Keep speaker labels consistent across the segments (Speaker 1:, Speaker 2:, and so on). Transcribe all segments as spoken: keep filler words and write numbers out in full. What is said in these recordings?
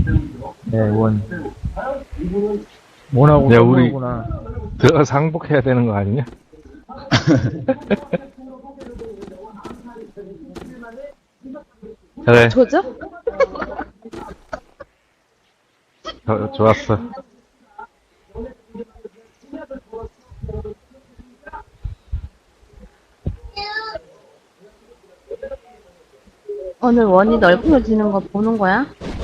Speaker 1: 네, 원. 원하고
Speaker 2: 야, 우리
Speaker 1: 구나
Speaker 2: 들어가서 항복해야 되는 거 아니냐? 그래,
Speaker 3: 저죠?
Speaker 2: 저, 좋았어.
Speaker 3: 오늘 원이 넓어지는 거 보는 거야?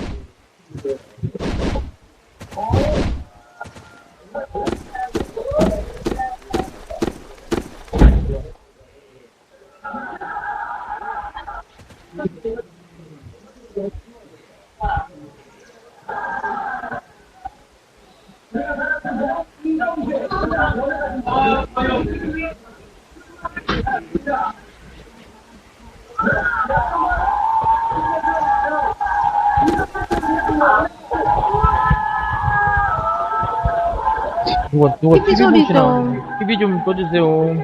Speaker 1: 누가, 누가
Speaker 3: 티비
Speaker 1: 티비
Speaker 3: 소리
Speaker 1: 보시나?
Speaker 3: 좀.
Speaker 1: 티비 좀 꺼주세요.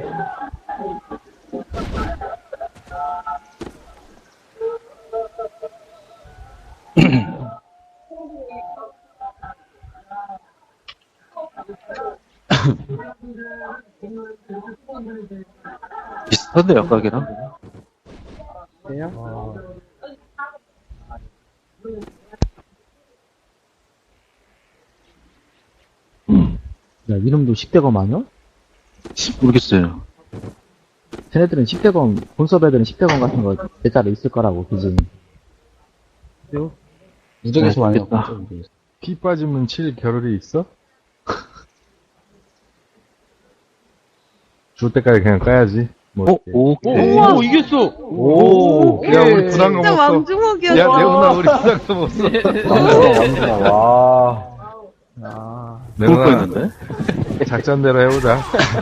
Speaker 4: 비슷한데요, 가게랑?
Speaker 1: 그래요?
Speaker 5: 야, 이름도 십 대검 아니야?
Speaker 4: 모르겠어요.
Speaker 5: 쟤네들은 십 대검, 본섭 애들은 십 대검 같은 거 대자로 있을 거라고, 그지?
Speaker 1: 그래요?
Speaker 5: 무적에서 많이
Speaker 4: 모르겠다.
Speaker 5: 봤어, 모르겠어.
Speaker 2: 피 빠지면 칠 겨를이 있어? 줄 때까지 그냥 까야지. 뭐
Speaker 4: 어?
Speaker 2: 어떡해.
Speaker 1: 오,
Speaker 4: 오케이.
Speaker 1: 오, 이겼어!
Speaker 2: 오, 야, 우리 부담감
Speaker 3: 진짜
Speaker 2: 없어. 야,
Speaker 3: 왕중옥이었어.
Speaker 2: 내훈아, 우리 부담감 없어.
Speaker 5: 왕수다, 왕수다, 와. 야.
Speaker 4: 좋을
Speaker 2: 내훈아,
Speaker 4: 뻔했는데?
Speaker 2: 작전대로 해보자.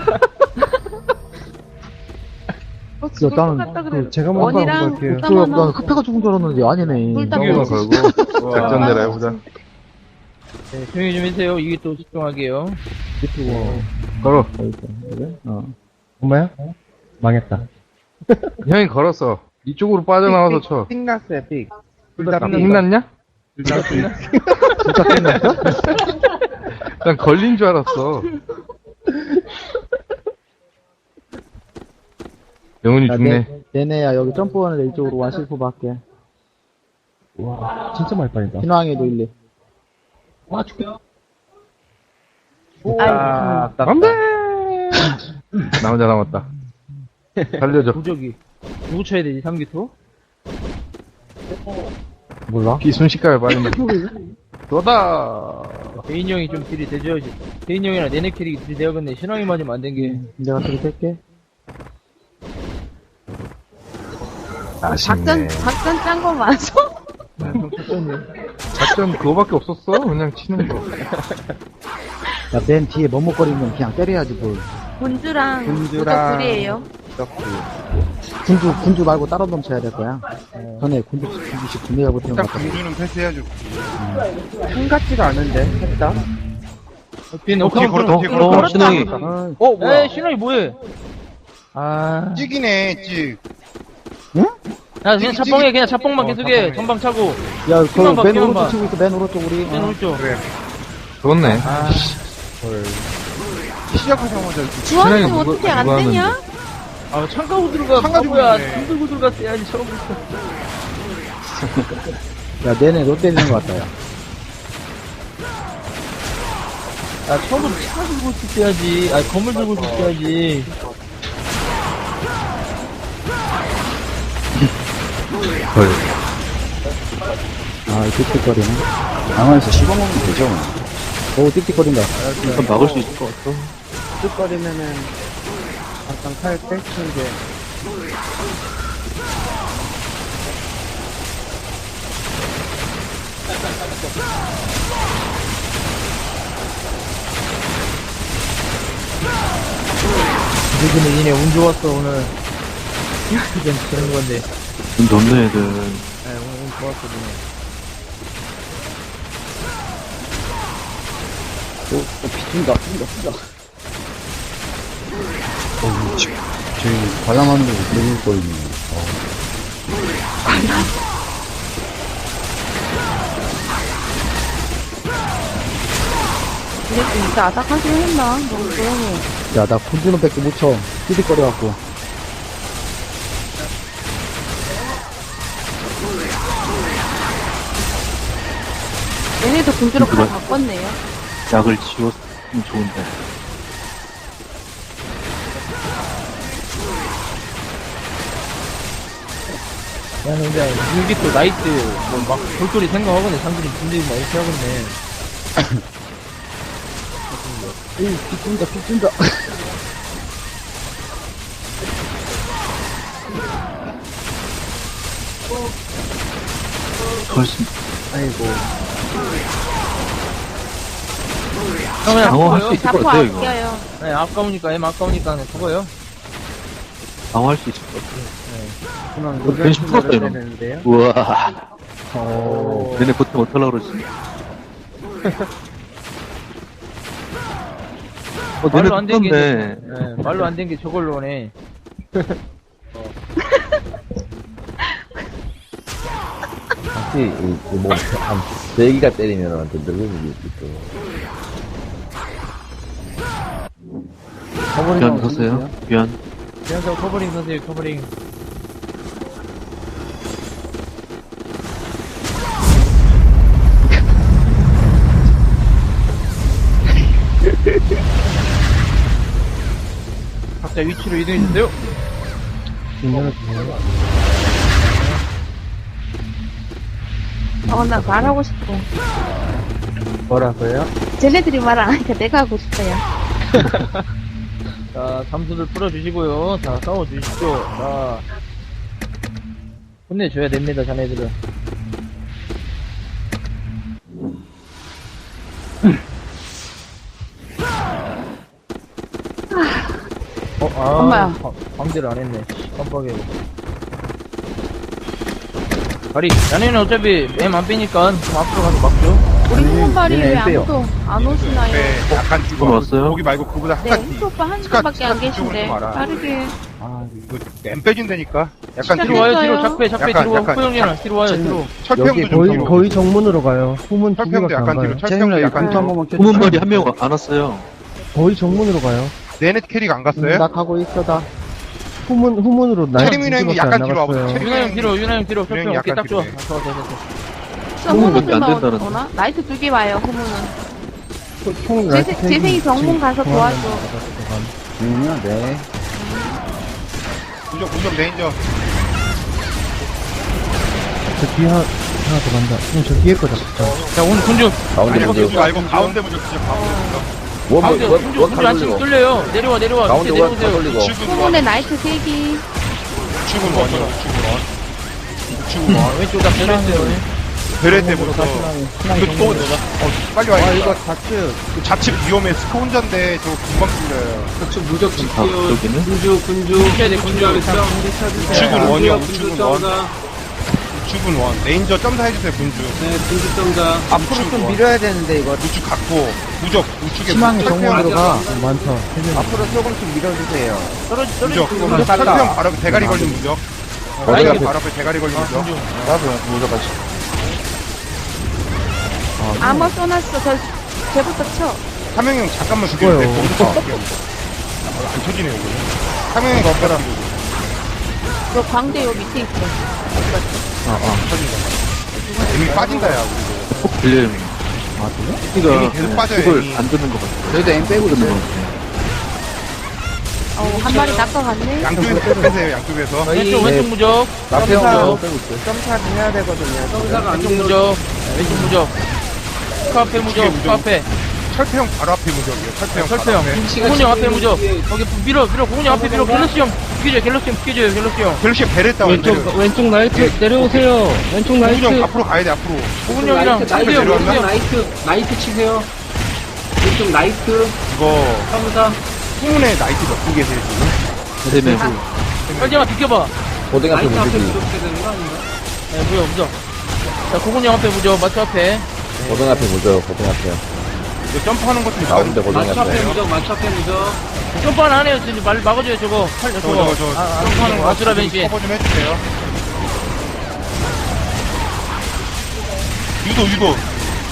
Speaker 3: 어,
Speaker 5: 야,
Speaker 3: 죽을 것
Speaker 5: 나는,
Speaker 3: 같다 그래.
Speaker 5: 그, 제가 먼저
Speaker 3: 원이랑
Speaker 5: 갈게요.
Speaker 3: 불
Speaker 5: 그,
Speaker 3: 하나.
Speaker 5: 나는 카페가 죽은 줄 알았는데, 아니네.
Speaker 3: 불 딱-
Speaker 2: 이기만 걸고, 작전대로 해보자.
Speaker 1: 네, 조용히 좀 해주세요. 이게 또 집중하게요.
Speaker 5: 유튜브.
Speaker 2: 걸어.
Speaker 5: 그래? 어.
Speaker 6: 엄마야? 망했다.
Speaker 2: 형이 걸었어. 이쪽으로 빠져나와서 쳐.
Speaker 6: 삑났어요, 삑.
Speaker 2: 아, 빅났냐?
Speaker 5: 진짜 끝났어?
Speaker 2: 난 걸린 줄 알았어. 영훈이
Speaker 5: 야,
Speaker 2: 죽네.
Speaker 5: 내, 내내야, 여기 점프하는데 이쪽으로 와실프 밖에.
Speaker 6: 와, 진짜 많이 빠진다.
Speaker 5: 신왕에도 일리.
Speaker 6: 아,
Speaker 2: 안 돼! 나 혼자 남았다. 살려줘.
Speaker 1: 도적이. 누구 쳐야 되지, 삼기토?
Speaker 5: 몰라?
Speaker 2: 피 순식간에 빠진다. 너다!
Speaker 1: 대인 형이 좀 딜이 대줘야지. 대인 형이랑 내내 캐릭이 딜이 되어갔네. 신앙이 맞으면 안 된 게.
Speaker 5: 내가 그렇게 할게.
Speaker 3: 작전, 작전 짠 거 맞아?
Speaker 2: 작전 그거밖에 없었어. 그냥 치는 거.
Speaker 5: 야, 맨 뒤에 머뭇거리면 그냥 때려야지, 뭘.
Speaker 3: 군주랑
Speaker 6: 군주랑-
Speaker 3: 무적 둘이에요.
Speaker 5: 군주, 군주 말고 다른 놈 쳐야 될 거야. 전에 군주, 군주씩 군대가 붙은 것
Speaker 6: 일단
Speaker 5: 같아.
Speaker 6: 군주는 패스해야죠. 한 같지가 않은데, 했다.
Speaker 1: 뒤에
Speaker 6: 어, 뒤에 걸었다, 뒤에
Speaker 4: 어,
Speaker 6: 걸었다.
Speaker 4: 신앙이.
Speaker 5: 아,
Speaker 1: 어, 뭐야? 에이, 신앙이 뭐해? 아.
Speaker 6: 찍이네, 찍.
Speaker 1: 야, 그냥 차뽕해, 그냥 차뽕만
Speaker 6: 어,
Speaker 1: 계속해.
Speaker 6: 차뽕해.
Speaker 1: 전방 차고.
Speaker 5: 야,
Speaker 1: 피만 봐,
Speaker 5: 그, 맨
Speaker 1: 피만
Speaker 5: 오른쪽
Speaker 1: 봐.
Speaker 5: 치고 있어, 맨 오른쪽 우리.
Speaker 1: 맨
Speaker 5: 어.
Speaker 1: 오른쪽.
Speaker 6: 그래.
Speaker 2: 좋네.
Speaker 1: 아,
Speaker 6: 시작하자마자 이렇게
Speaker 3: 주환이
Speaker 2: 신랑이 누구-
Speaker 3: 어떻게 안
Speaker 2: 누가
Speaker 3: 되냐?
Speaker 1: 아, 창가고 들어가.
Speaker 6: 창가 주고
Speaker 1: 바보야.
Speaker 6: 있네.
Speaker 1: 창 들고 들어갔어야지, 처음부터.
Speaker 5: 야, 내내 너 때리는 것 같다, 야.
Speaker 1: 아, 처음부터 차 들고 있어야지. 아, 건물 들고 있어야지.
Speaker 2: 헐.
Speaker 5: 아, 틱틱거리네.
Speaker 4: 강화에서 씹어먹으면 되죠.
Speaker 5: 오, 틱틱거린다.
Speaker 4: 일단 막을 수 있을 것 같아.
Speaker 6: 뚝거리면은, 약간 칼 뺏치는 게.
Speaker 1: 요즘에 니네 운 좋았어, 오늘. 좀 그런 건데.
Speaker 4: 좀 덥네, 애들.
Speaker 1: 네, 오늘 운 좋았어, 니네.
Speaker 5: 오, 오, 비춘다, 비춘다, 비춘다. 어, 지, 저기, 관람하는 거 느릴거리네. 어.
Speaker 3: 새끼 진짜 아삭하게 했나? 너무 조용해.
Speaker 5: 야, 나 군주놈밖에 못 쳐. 삐득거려갖고.
Speaker 3: 얘네도 군주로 칼 바꿨네요.
Speaker 4: 약을 지웠으면 좋은데.
Speaker 1: 야, 근데, 여기 또 나이트, 뭐, 막, 볼거리 생각하겠네. 상들이 분들이 막 이렇게 하겠네.
Speaker 5: 에이, 삐진다, 삐진다.
Speaker 4: 훨씬
Speaker 5: 아이고.
Speaker 1: 그러면,
Speaker 4: 방어할 수 있을 것
Speaker 3: 자포
Speaker 4: 같아요, 이거.
Speaker 3: 아껴요.
Speaker 1: 네, 아까우니까, 엠 아까우니까, 그냥 죽어요.
Speaker 4: 방어할 수 있을 것 같아요.
Speaker 5: 그냥
Speaker 4: 어, 변신 풀었다, 이런.
Speaker 5: 되는데요?
Speaker 4: 우와.
Speaker 1: 오.
Speaker 4: 얘네 보통 어떡하려고 그러지? 어, 얘네
Speaker 1: 말로 안 된 게,
Speaker 4: 붙었네.
Speaker 1: 네, 말로 안 된 게 저걸로 오네.
Speaker 7: 혹시, 이, 이 뭐, 한, 세기가 때리면, 좀 늙은 게 있어.
Speaker 4: 변 보세요. 변.
Speaker 1: 그래서 커버링 선생님, 커버링. 각자 위치로 이동해주세요.
Speaker 3: 어, 나 말하고 싶어.
Speaker 1: 뭐라고요?
Speaker 3: 쟤네들이 말 안 하니까 내가 하고 싶어요.
Speaker 1: 자, 잠수들 풀어주시고요. 자, 싸워주십시오. 자, 혼내줘야 됩니다, 자네들은. 어, 아,
Speaker 3: 엄마야.
Speaker 1: 바- 방대를 안 했네. 깜빡이야. 다리, 자네는 어차피 엠 안 빼니까 좀 앞으로 가서 막죠.
Speaker 3: 우리 후문발이
Speaker 5: 얘네
Speaker 3: 왜
Speaker 5: 안 빼요.
Speaker 3: 아무도 안 오시나요?
Speaker 8: 네, 약간
Speaker 4: 그거
Speaker 8: 죽어.
Speaker 4: 왔어요?
Speaker 8: 거기 말고 그보다 한
Speaker 3: 네,
Speaker 8: 가지.
Speaker 3: 흑수 오빠 한
Speaker 8: 스카-
Speaker 3: 분밖에 안
Speaker 8: 스카 쪽으로
Speaker 3: 계신데
Speaker 8: 좀 와라.
Speaker 3: 빠르게.
Speaker 8: 아, 이거 엠 빼준다니까. 약간
Speaker 3: 시간
Speaker 1: 뒤로 와요, 뒤로.
Speaker 3: 있어요.
Speaker 1: 작배, 작배,
Speaker 8: 약간,
Speaker 1: 뒤로 와.
Speaker 8: 약간.
Speaker 1: 후보영이랑 뒤로 와요, 뒤로.
Speaker 8: 철평도
Speaker 5: 여기
Speaker 8: 좀
Speaker 5: 거의,
Speaker 8: 뒤로.
Speaker 5: 거의 정문으로 가요. 후문 두
Speaker 8: 철평도
Speaker 5: 개밖에 안
Speaker 8: 약간
Speaker 5: 가요.
Speaker 8: 뒤로. 철평도 약간
Speaker 5: 한
Speaker 8: 뒤로.
Speaker 5: 번만 켜줘.
Speaker 4: 후문말이 한 명 안 왔어요.
Speaker 5: 거의 정문으로 가요.
Speaker 8: 내내 캐릭 안 갔어요?
Speaker 5: 나 가고 있어, 다. 후문, 후문으로 나
Speaker 8: 체리미는 형이 약간 뒤로 와보세요. 체리-
Speaker 1: 유나형 뒤로, 유나형 뒤로.
Speaker 8: 유나형이
Speaker 1: 철평 오케이,
Speaker 8: 약간
Speaker 1: 딱 좋아.
Speaker 8: 뒤로네.
Speaker 1: 아, 좋아, 좋아, 좋아.
Speaker 4: 후문 몇개안
Speaker 3: 후문들만
Speaker 4: 된다는데.
Speaker 3: 오나? 나이트 두 개 와요, 후문은.
Speaker 5: 총
Speaker 3: 재생- 재생이 병문 가서 도와줘.
Speaker 5: 음, 네.
Speaker 8: 무적, 무적 레인저.
Speaker 5: 저 뒤에 하나, 하나 더 간다. 그럼 저 뒤에 거 잡자.
Speaker 1: 자, 오늘 군주.
Speaker 7: 가운데
Speaker 8: 아니,
Speaker 7: 먼저.
Speaker 8: 무적 말고 가운데 무적 진짜 가운데 무적.
Speaker 7: 원,
Speaker 1: 가운데,
Speaker 7: 원,
Speaker 1: 군주,
Speaker 7: 원,
Speaker 1: 군주
Speaker 7: 원
Speaker 1: 안치고
Speaker 7: 돌리고.
Speaker 1: 뚫려요. 내려와, 내려와.
Speaker 7: 가운데
Speaker 1: 밑에
Speaker 7: 원, 다
Speaker 1: 내려오세요.
Speaker 7: 돌리고.
Speaker 8: 우측은 원,
Speaker 3: 후문에 나이트 세 개.
Speaker 8: 우측은 원이요, 우측은 원. 우측은 원.
Speaker 1: 왼쪽 다 내려오세요.
Speaker 8: 베레 때부터. 이거 또, 어, 빨리 와야 겠다
Speaker 5: 좌측.
Speaker 8: 좌측 위험해. 스코 혼자인데 저거 금방 뚫려요.
Speaker 4: 아, 여기는?
Speaker 1: 군주해야 돼, 군주.
Speaker 8: 우측은 원이요, 우측은 원. 우측은 원. 레인저 점사해주세요, 군주.
Speaker 5: 앞으로 좀 밀어야 되는데, 이거.
Speaker 8: 우측 갖고, 무적, 우측에
Speaker 5: 희망의
Speaker 8: 무적
Speaker 5: 정문으로 가.
Speaker 8: 철평,
Speaker 5: 많다.
Speaker 7: 앞으로 조금씩 밀어주세요.
Speaker 1: 떨어지,
Speaker 8: 무적.
Speaker 1: 떨어지.
Speaker 8: 철평 바로 앞에 대가리 걸린 무적.
Speaker 7: 어디
Speaker 8: 철평
Speaker 7: 앞에?
Speaker 8: 바로 앞에 대가리 걸린 무적.
Speaker 7: 나도 무적 같이.
Speaker 3: 아머 써놨어. 저, 쟤부터 쳐.
Speaker 8: 삼형형 잠깐만 죽여도 돼. 거기서 갈게요. 안 터지네요, 이거. 삼형형 거기다
Speaker 3: 너 광대 요 밑에 있어.
Speaker 8: 이미 빠진다, 야.
Speaker 4: 꼭 들려요.
Speaker 5: 아, 그래?
Speaker 4: 이가
Speaker 8: 이미 계속 빠져요,
Speaker 4: 그걸
Speaker 8: 이미.
Speaker 4: 안 듣는 것 같아요.
Speaker 5: 저희도 엠 빼고
Speaker 4: 듣는
Speaker 5: 있어요.
Speaker 4: 것 같아요.
Speaker 3: 어, 한 마리 낚아갔네.
Speaker 8: 양쪽에서 빼세요, 양쪽에서.
Speaker 1: 왼쪽, 왼쪽 무적.
Speaker 7: 나페형
Speaker 1: 점사.
Speaker 7: 빼고 있어요.
Speaker 5: 점차를 해야 되거든요.
Speaker 1: 왼쪽 무적. 왼쪽 무적. 그 앞에 무적, 그 앞에.
Speaker 8: 철평 바로 앞에 무적이에요. 철평 바로
Speaker 1: 설태형.
Speaker 8: 앞에.
Speaker 1: 고은형 앞에 무적. 거기 밀어, 밀어. 고은형 앞에 밀어. 갤럭시 형. 비켜줘요, 갤럭시 형. 비켜줘요, 갤럭시 형.
Speaker 8: 벨시 베레 다운 왼쪽,
Speaker 5: 왼쪽 나이트 내려오세요. 왼쪽
Speaker 8: 고은형 앞으로 가야 돼, 앞으로.
Speaker 1: 고은형이랑
Speaker 8: 나이트,
Speaker 1: 창규 형,
Speaker 8: 나이트
Speaker 1: 창규 형.
Speaker 9: 나이트, 나이트 치세요. 왼쪽 나이트,
Speaker 8: 이거,
Speaker 9: 삼사.
Speaker 8: 후문에 나이트 몇 분 계세요, 지금?
Speaker 4: 세 명.
Speaker 1: 빨리 와, 비켜봐.
Speaker 7: 고등 앞에
Speaker 9: 나이트 앞에
Speaker 7: 무적이.
Speaker 9: 무조건 되는 거 아닌가?
Speaker 1: 네, 무적, 무적. 자, 고은형 앞에 무적. 마트 앞에.
Speaker 7: 고등 앞에 무적, 고등 앞에.
Speaker 8: 이거 점프하는 것도
Speaker 7: 가운데 고등
Speaker 9: 마초 앞에
Speaker 7: 앞에.
Speaker 9: 무적, 마초 앞에 무적.
Speaker 1: 점프는 안 해요. 지금 말 막아줘요, 저거. 팔,
Speaker 8: 저,
Speaker 1: 저거.
Speaker 8: 저, 저,
Speaker 1: 아, 아,
Speaker 8: 점프하는 거
Speaker 1: 아수라 벤시.
Speaker 8: 커버 좀 해주세요. 유도, 유도.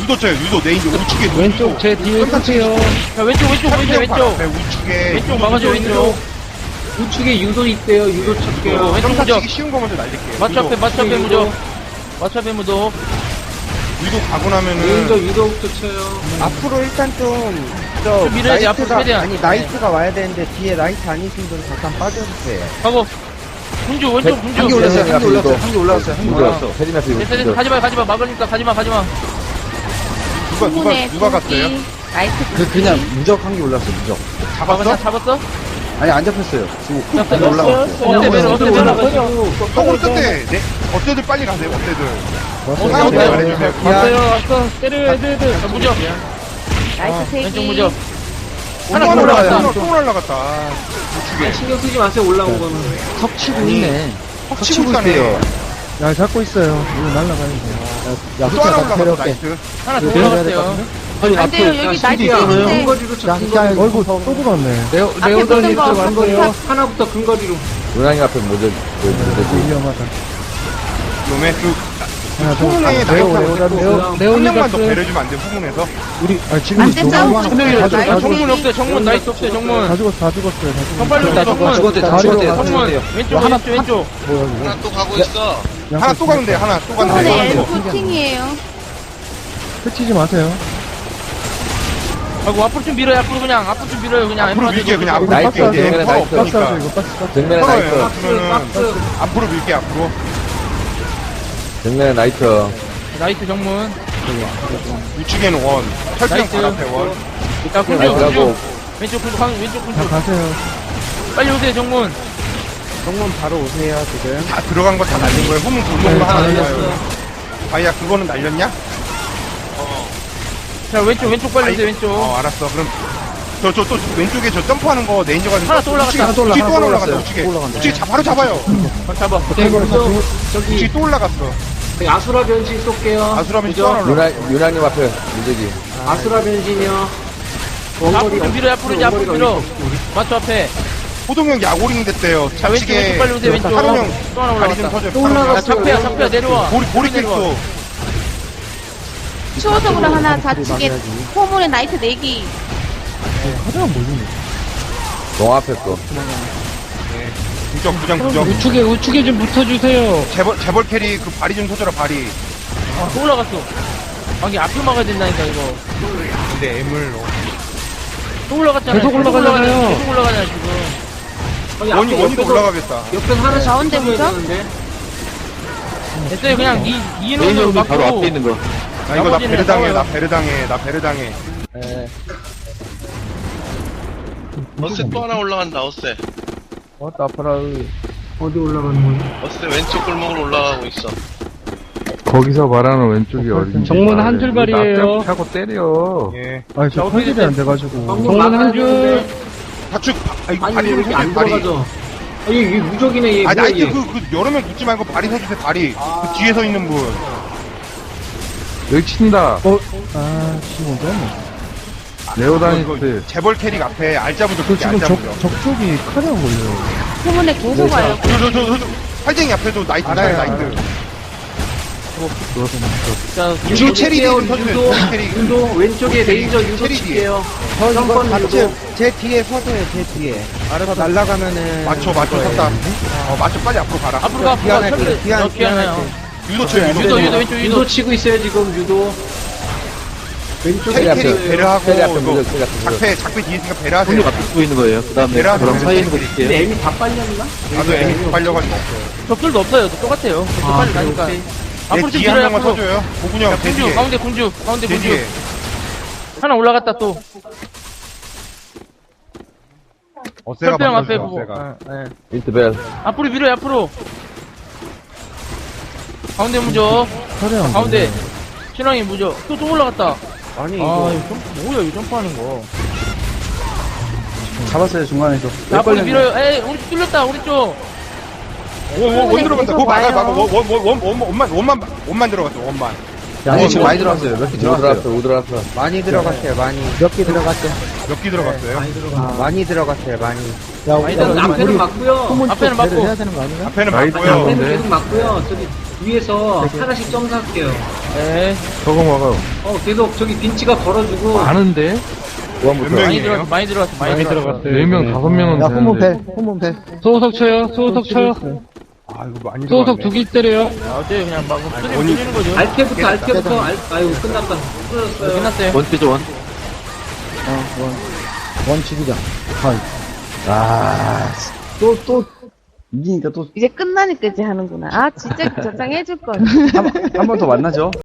Speaker 8: 유도 쳐요, 유도. 네인지 우측에 유도.
Speaker 6: 왼쪽 제 뒤에 서세요.
Speaker 2: 야, 왼쪽, 왼쪽, 왼쪽, 왼쪽.
Speaker 8: 네, 우측에.
Speaker 2: 왼쪽 막아줘, 왼쪽.
Speaker 9: 우측에 유도 있대요. 유도 칠게요.
Speaker 2: 왼쪽
Speaker 8: 점사
Speaker 2: 무적.
Speaker 8: 치기 쉬운 거 먼저 날릴게요.
Speaker 2: 맞춰 앞에,
Speaker 8: 유도.
Speaker 2: 맞춰 앞에 무적. 맞춰 앞에 무적.
Speaker 8: 유도 가고 나면은.
Speaker 9: 레인저 유도부터 쳐요.
Speaker 6: 앞으로 일단 좀, 저,
Speaker 2: 좀 밀어야지, 앞으로
Speaker 6: 나이트가,
Speaker 2: 최대한.
Speaker 6: 아니, 나이트가 와야 되는데, 뒤에 나이트 아니신 분 잠깐 빠져주세요.
Speaker 2: 가고. 군주, 왼쪽, 군주.
Speaker 5: 한개 올랐어요, 한개 올랐어요, 한개 올라왔어요, 한개 올라왔어.
Speaker 7: 세리나 피
Speaker 2: 됐어, 됐어. 가지마, 가지마. 막으니까 가지마, 가지마.
Speaker 8: 누가, 누가,
Speaker 3: 후문에
Speaker 8: 누가 갔어요?
Speaker 3: 나이트
Speaker 5: 그, 그냥 무적 한 개 올랐어, 무적.
Speaker 8: 잡았어?
Speaker 2: 그냥 잡았어?
Speaker 5: 아니, 안 잡혔어요. 지금
Speaker 2: 잡혔어.
Speaker 5: 훅 올라왔어요.
Speaker 2: 어때, 매너, 어때, 매너.
Speaker 8: 조금 끝에, 네, 업체들 빨리 가세요, 업체들.
Speaker 5: 왔어요.
Speaker 8: 하나
Speaker 2: 어때?
Speaker 8: 말해주세요.
Speaker 2: 왔어요, 왔어. 때려, 애들, 애들. 자, 무적.
Speaker 3: 나이트 세
Speaker 2: 왼쪽
Speaker 3: 개.
Speaker 2: 무적.
Speaker 8: 하나
Speaker 2: 하나
Speaker 8: 올라갔다.
Speaker 2: 올라갔다.
Speaker 8: 또 올라갔다. 아, 우측에.
Speaker 9: 신경 쓰지 마세요. 올라온 거는.
Speaker 5: 턱 치고 있네. 턱
Speaker 8: 치고 있다네.
Speaker 1: 야, 잡고 있어요. 이거 날라가야 돼.
Speaker 5: 야,
Speaker 8: 또 하나
Speaker 5: 후퇴가
Speaker 8: 올라갔어,
Speaker 5: 데려올게.
Speaker 8: 나이스.
Speaker 2: 하나 더
Speaker 5: 네,
Speaker 2: 올라갔어요.
Speaker 4: 아니,
Speaker 3: 안 돼요.
Speaker 4: 앞에
Speaker 3: 여기
Speaker 9: 야,
Speaker 3: 나이트
Speaker 9: 신기하네.
Speaker 3: 있는데.
Speaker 9: 근거리로 쳐.
Speaker 5: 야,
Speaker 9: 근거리로.
Speaker 5: 야,
Speaker 1: 얼굴 또 들어갔네.
Speaker 2: 레오,
Speaker 3: 앞에
Speaker 2: 레오던
Speaker 3: 붙은 거
Speaker 2: 일찍 왔어요.
Speaker 9: 하나부터 근거리로.
Speaker 7: 은항이 앞에 모자, 그, 모자지.
Speaker 1: 위험하다.
Speaker 8: 놈의 그,
Speaker 1: 하나 더.
Speaker 8: 후문에
Speaker 1: 아,
Speaker 8: 나이트
Speaker 1: 레오,
Speaker 8: 하고
Speaker 1: 레오,
Speaker 8: 있고.
Speaker 1: 레오.
Speaker 8: 한 명만 더 배려주면 안 돼, 후문에서.
Speaker 1: 우리, 아, 지금
Speaker 3: 안 돼,
Speaker 1: 너무
Speaker 3: 싸우고
Speaker 1: 많아.
Speaker 3: 있어요.
Speaker 1: 다 죽- 다
Speaker 3: 나이트
Speaker 1: 죽-
Speaker 2: 정문 없어요, 정문. 나이스 없어요, 정문.
Speaker 1: 다 죽었어, 다 죽었어요, 다 죽었어.
Speaker 2: 정 빨리 온다, 정문.
Speaker 5: 죽었대, 다
Speaker 1: 다리로
Speaker 5: 죽었대.
Speaker 1: 가세요.
Speaker 2: 정문. 왼쪽,
Speaker 5: 하나,
Speaker 2: 왼쪽, 왼쪽.
Speaker 1: 뭐야, 이거.
Speaker 10: 하나 또 가고 있어.
Speaker 8: 하나 또 가면 돼, 하나 또 가면 돼.
Speaker 3: 후문에
Speaker 8: 하나 더.
Speaker 3: 엘프팅이에요.
Speaker 1: 끝이지 마세요.
Speaker 2: 아이고, 앞으로 좀 밀어요, 앞으로 그냥. 앞으로 좀 밀어요, 그냥.
Speaker 8: 앞으로
Speaker 2: 엠프한테
Speaker 8: 밀게요, 그냥
Speaker 2: 좀.
Speaker 8: 앞으로
Speaker 7: 나이스,
Speaker 8: 밀게요. 이제
Speaker 7: 정면에
Speaker 8: 서로
Speaker 7: 나이스.
Speaker 1: 박스 하죠,
Speaker 8: 없으니까.
Speaker 1: 이거 박스, 박스.
Speaker 7: 정면에
Speaker 8: 서로예요.
Speaker 7: 나이트.
Speaker 8: 그러면은
Speaker 9: 박스.
Speaker 8: 앞으로 밀게, 앞으로.
Speaker 7: 정면에 나이트.
Speaker 2: 나이스 정문.
Speaker 8: 우측에는 원. 철장
Speaker 2: 나이스.
Speaker 8: 바로 앞에 원.
Speaker 2: 자, 군주,
Speaker 7: 나이트라고.
Speaker 2: 군주. 왼쪽 군주, 강- 왼쪽
Speaker 1: 다
Speaker 2: 군주.
Speaker 1: 가세요.
Speaker 2: 빨리 오세요, 정문.
Speaker 6: 정문 바로 오세요, 지금.
Speaker 8: 다 들어간 거 다 날린 거예요. 후문 굴러온 거 하나 날려요. 아야, 그거는 날렸냐?
Speaker 2: 자, 왼쪽, 왼쪽 빨리 오세요, 왼쪽.
Speaker 8: 어, 알았어. 그럼 저, 저, 또 왼쪽에 저 점프하는 거 네인저가
Speaker 2: 하나 또 올라갔다.
Speaker 8: 우측에
Speaker 5: 하나 또 올라-
Speaker 8: 우측에 또
Speaker 5: 하나
Speaker 8: 하나
Speaker 5: 또
Speaker 8: 올라갔다.
Speaker 5: 올라갔어요.
Speaker 8: 우측에.
Speaker 5: 또 올라간다.
Speaker 8: 우측에 자, 바로 잡아요.
Speaker 2: 잡아.
Speaker 8: 우측에
Speaker 9: 저기,
Speaker 8: 또 올라갔어.
Speaker 9: 아수라 변신 쏠게요.
Speaker 8: 아수라면
Speaker 9: 그죠?
Speaker 8: 또 하나 올라갔어.
Speaker 7: 유나, 유나님 앞에 무적이.
Speaker 9: 아수라 변신이요.
Speaker 2: 앞으로 좀 밀어요, 앞으로 이제 앞으로 밀어. 맞춰 앞에.
Speaker 8: 호동형 야구링 됐대요.
Speaker 2: 자, 왼쪽, 왼쪽 빨리 오세요, 왼쪽.
Speaker 8: 하루형
Speaker 2: 또 하나
Speaker 8: 다리 좀
Speaker 2: 올라갔다.
Speaker 8: 터져요.
Speaker 9: 또
Speaker 8: 하루형.
Speaker 2: 야,
Speaker 9: 올라갔어.
Speaker 2: 잡혀야, 잡혀야, 내려와.
Speaker 8: 보리, 보리
Speaker 2: 내려와.
Speaker 8: 킥도.
Speaker 3: 추호적으로 하나 좌측에 호문에 나이트 네 개.
Speaker 1: 하자가 뭐지?
Speaker 7: 동 앞에 거.
Speaker 8: 부정, 부정, 부정.
Speaker 6: 우측에, 우측에 좀 붙어주세요.
Speaker 8: 재벌, 재벌 캐리 그 발이 좀 터져라, 발이.
Speaker 2: 아, 또 올라갔어. 아, 이게 앞을 막아야 된다니까, 이거.
Speaker 8: 근데 M을.
Speaker 2: 또 올라갔잖아.
Speaker 6: 계속 올라가잖아요.
Speaker 2: 계속 올라가잖아, 지금.
Speaker 9: 아니,
Speaker 8: 원이,
Speaker 9: 앞에
Speaker 8: 원이도
Speaker 9: 옆에서-
Speaker 8: 올라가겠다.
Speaker 9: 옆에서 하나씩
Speaker 3: 가운데
Speaker 9: 붙여줘야
Speaker 3: 무적?
Speaker 9: 되는데.
Speaker 2: 됐어요, 그냥 이, 이 인원으로
Speaker 4: 레인저님
Speaker 2: 막고.
Speaker 4: 바로 앞에 있는 거.
Speaker 8: 나 이거 나
Speaker 2: 나머지는
Speaker 8: 베르당해,
Speaker 2: 싸워요.
Speaker 8: 나 베르당해, 나 베르당해.
Speaker 10: 어세 또 하나 올라간다. 어세.
Speaker 1: 왔다, 아파라.
Speaker 9: 어디 올라가는 거야?
Speaker 10: 어세 왼쪽 골목으로 올라가고 있어.
Speaker 2: 거기서 말하는 왼쪽이 어딘지.
Speaker 6: 정문 한 줄발이에요.
Speaker 2: 차고 때려.
Speaker 8: 예.
Speaker 1: 아니, 저 컨셉이 안 돼가지고.
Speaker 9: 정문
Speaker 6: 한 줄.
Speaker 8: 다축, 아, 이거
Speaker 9: 아니,
Speaker 8: 발이
Speaker 9: 왜
Speaker 8: 좀
Speaker 9: 이렇게 안
Speaker 8: 서줘요, 발이.
Speaker 9: 들어가죠? 아니, 이게 무적이네, 얘.
Speaker 8: 아,
Speaker 9: 뭐야,
Speaker 8: 나이트
Speaker 9: 얘.
Speaker 8: 그, 그, 여러 명 붙지 말고 발이 서주세요, 발이. 그 뒤에 서 있는 분.
Speaker 2: 여기 친다.
Speaker 1: 어? 아, 지금 언제 왔네.
Speaker 2: 레오다니스.
Speaker 8: 재벌 캐릭 앞에 알짜부죠,
Speaker 1: 그
Speaker 8: 그게
Speaker 1: 지금 적,
Speaker 8: 알짜부죠.
Speaker 1: 적쪽이 카리가 걸려요.
Speaker 3: 후문에 계속 와요.
Speaker 8: 저, 저, 저, 저, 저, 팔쟁이 앞에도 나이트 쳐요,
Speaker 1: 알아요,
Speaker 8: 나이트.
Speaker 2: 자,
Speaker 8: 유도 체리
Speaker 9: 칠게요,
Speaker 8: 좀 쳐주세요,
Speaker 9: 유도.
Speaker 8: 유도 체리.
Speaker 9: 유도, 왼쪽에 레이저 유도
Speaker 8: 체리
Speaker 9: 칠게요.
Speaker 6: 저 이거
Speaker 9: 점퍼는
Speaker 6: 같이,
Speaker 9: 유도.
Speaker 6: 제 뒤에 서세요, 제 뒤에. 알아서 날아가면은.
Speaker 8: 맞춰, 맞춰, 섰다. 어, 맞춰, 빨리 앞으로 가라.
Speaker 2: 앞으로 가, 앞으로 가.
Speaker 6: 기안할
Speaker 2: 철새.
Speaker 6: 때, 기안,
Speaker 2: 어, 기안해요.
Speaker 8: 유도 쳐, 유도.
Speaker 2: 유도, 유도, 왼쪽 유도.
Speaker 9: 유도 치고 있어요, 지금, 유도. 왼쪽에
Speaker 8: 체리
Speaker 7: 앞에,
Speaker 8: 캐릭 배려하고,
Speaker 7: 체리 앞에
Speaker 8: 이거
Speaker 7: 무적, 체리 앞에 무적.
Speaker 8: 작패, 작패 뒤에 있으니까
Speaker 4: 군주
Speaker 8: 배려하세요.
Speaker 4: 앞에 쓰고 있는 거예요. 그 다음에
Speaker 8: 베라
Speaker 4: 저랑 사이에 있는 거
Speaker 8: 베라
Speaker 4: 줄게요.
Speaker 9: 근데 M이 다 빨렸나?
Speaker 8: 나도 애미 빨려가지고 없어요.
Speaker 2: 적들도 없어요. 똑같아요. 계속
Speaker 9: 아,
Speaker 2: 빨리
Speaker 9: 그래,
Speaker 2: 가니까.
Speaker 9: 오케이.
Speaker 8: 내
Speaker 2: 앞으로 좀
Speaker 8: 뒤에 한
Speaker 2: 밀어요,
Speaker 8: 명만
Speaker 2: 앞으로.
Speaker 8: 서줘요. 고군형,
Speaker 2: 자,
Speaker 8: 제
Speaker 2: 군주,
Speaker 8: 뒤에.
Speaker 2: 가운데 군주, 가운데
Speaker 8: 제
Speaker 2: 군주.
Speaker 8: 뒤에.
Speaker 2: 하나 올라갔다 또.
Speaker 8: 어세가
Speaker 2: 철병 앞에
Speaker 8: 바꿔주세요,
Speaker 2: 보고.
Speaker 8: 어세가.
Speaker 2: 아, 예.
Speaker 7: 인트벨.
Speaker 2: 앞으로 밀어요, 앞으로. 가운데 무적.
Speaker 1: 카리가
Speaker 2: 가운데. 신랑이 무적. 또, 또 올라갔다.
Speaker 6: 아니,
Speaker 2: 아,
Speaker 6: 이거.
Speaker 2: 이거 점, 뭐야, 이거 점프하는 거.
Speaker 5: 잡았어요, 중간에서.
Speaker 2: 자, 앞으로 밀어요. 에이, 우리 뚫렸다, 우리 쪽.
Speaker 8: 원, 원, 원 들어간다. 그거 막아,
Speaker 3: 와요.
Speaker 8: 막아. 원, 원, 원, 원, 원, 원만, 원만, 원만 들어갔어, 원만.
Speaker 5: 아니, 지금 많이 들어왔어요. 몇 개
Speaker 7: 우드
Speaker 5: 들어왔어요.
Speaker 7: 들어왔어, 우드 들어왔어.
Speaker 6: 많이 들어갔어요, 많이.
Speaker 5: 몇 개 들어갔죠?
Speaker 8: 몇 개 들어갔어요?
Speaker 6: 아, 많이 들어갔어요, 많이.
Speaker 5: 야,
Speaker 2: 많이
Speaker 5: 우리,
Speaker 2: 들어갔어요.
Speaker 9: 앞에는 맞고요.
Speaker 5: 후문
Speaker 2: 앞에는
Speaker 5: 쪽
Speaker 2: 맞고.
Speaker 5: 배를 해야 되는 거 아닌가?
Speaker 8: 앞에는
Speaker 2: 나이트
Speaker 8: 맞고요.
Speaker 9: 앞에는 계속 맞고요. 저기 위에서 하나씩 점사할게요.
Speaker 1: 네.
Speaker 2: 저거 막아요.
Speaker 9: 어, 계속 저기 빈치가 걸어주고.
Speaker 2: 많은데?
Speaker 8: 몇
Speaker 1: 많이
Speaker 8: 명이에요?
Speaker 1: 들어왔어, 많이 들어왔어, 많이, 들어왔어.
Speaker 2: 네 명, 다섯 명은
Speaker 5: 야, 후문패,
Speaker 2: 되는데.
Speaker 5: 후문패.
Speaker 6: 소호석 쳐요. 소호석 쳐요.
Speaker 8: 아, 이거 많이
Speaker 6: 소호석
Speaker 8: 들어왔네.
Speaker 6: 두 개 때려요.
Speaker 1: 아, 어째 그냥 막 쓰리
Speaker 8: 원이-
Speaker 1: 뿌리는 거죠.
Speaker 9: 알케부터, 알케부터. 알, 아유, 끝났다.
Speaker 1: 네,
Speaker 9: 끊어졌어요.
Speaker 1: 끝났어요.
Speaker 4: 원피죠, 원.
Speaker 5: 어, 원. 원 치기장.
Speaker 7: 아, 또, 또, 이기니까 또,
Speaker 3: 이제 끝나니까 이제 하는구나. 아, 진짜 저장 해줄 걸.
Speaker 7: 한 번 더 만나죠.